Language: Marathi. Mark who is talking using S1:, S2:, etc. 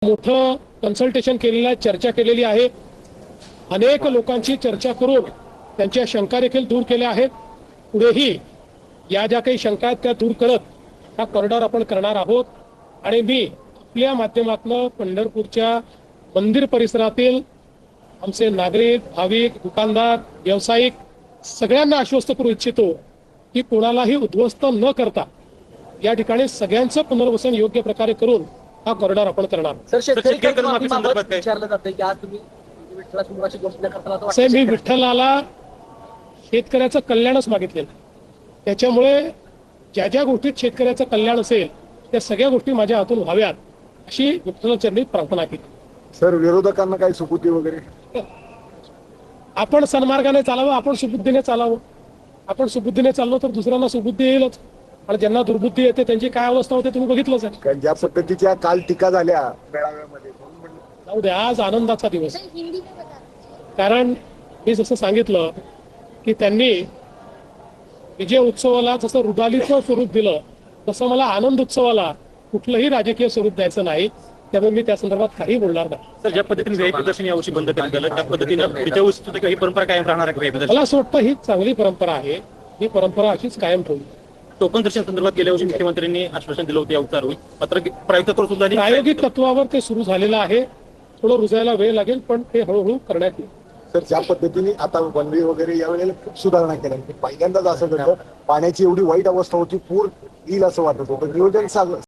S1: मोठं कन्सल्टेशन केलेलं आहे, चर्चा केलेली आहे. अनेक लोकांची चर्चा करून त्यांच्या शंका देखील दूर केल्या आहेत. पुढेही या ज्या काही शंका आहेत त्या दूर करत हा कॉरिडॉर आपण करणार आहोत. आणि मी आपल्या माध्यमातून पंढरपूरच्या मंदिर परिसरातील आमचे नागरिक, भाविक, दुकानदार, व्यावसायिक सगळ्यांना आश्वस्त करू इच्छितो की कोणालाही उद्ध्वस्त न करता या ठिकाणी सगळ्यांचं पुनर्वसन योग्य प्रकारे करून हा कॉरिडॉर आपण करणार.
S2: विचारलं जातं की आज तुम्ही विठ्ठलाची गोष्ट करताना
S1: साहेब, मी विठ्ठलाला शेतकऱ्याचं कल्याणच मागितलेलं. त्याच्यामुळे ज्या ज्या गोष्टीत शेतकऱ्याचं कल्याण असेल त्या सगळ्या गोष्टी माझ्या हातून व्हाव्यात अशी विठ्ठलाचरणी प्रार्थना केली.
S3: सर, विरोधकांना काही सुबुद्धी वगैरे?
S1: आपण सन्मार्गाने चालावं, आपण सुबुद्धीने चालावं. आपण सुबुद्धीने चाललो तर दुसऱ्यांना सुबुद्धी येईलच. आणि ज्यांना दुर्बुद्धी येते त्यांची काय अवस्था होते तुम्ही बघितलंच आहे.
S3: कारण ज्या पद्धतीच्या काल टीका झाल्या मेळाव्यामध्ये,
S1: जाऊ द्या, आज आनंदाचा दिवस. कारण मी जसं सांगितलं की त्यांनी विजय उत्सवाला जसं रुदालीचं स्वरूप दिलं तसं मला आनंद उत्सवाला कुठलंही राजकीय स्वरूप द्यायचं नाही. त्यामुळे मी त्या संदर्भात काही बोलणार नाही.
S4: सर, ज्या पद्धतीने व्हीआयपी प्रदर्शन यावर्षी बंद करण्यात आलं त्या पद्धतीनं पुढच्या वर्षी सुद्धा काही परंपरा कायम राहणार आहे का?
S1: मला असं वाटतं ही चांगली परंपरा आहे. ही परंपरा अशीच कायम ठेवली.
S4: टोकन दर्शन संदर्भात गेल्या वर्षी मुख्यमंत्र्यांनी आश्वासन दिलं होतं या उतार होईल, मात्र प्रायोगिक तत्वावर सुद्धा
S1: प्रायोगिक तत्वावर ते सुरू झालेलं आहे. थोडं रुजायला वेळ लागेल पण ते हळूहळू करण्यात येईल.
S3: सर, ज्या पद्धतीने आता वनवे वगैरे यावेळेला खूप सुधारणा केल्या, पहिल्यांदाच असं घडलं. पाण्याची एवढी वाईट अवस्था होती, पूर येईल असं वाटत होतं. नियोजन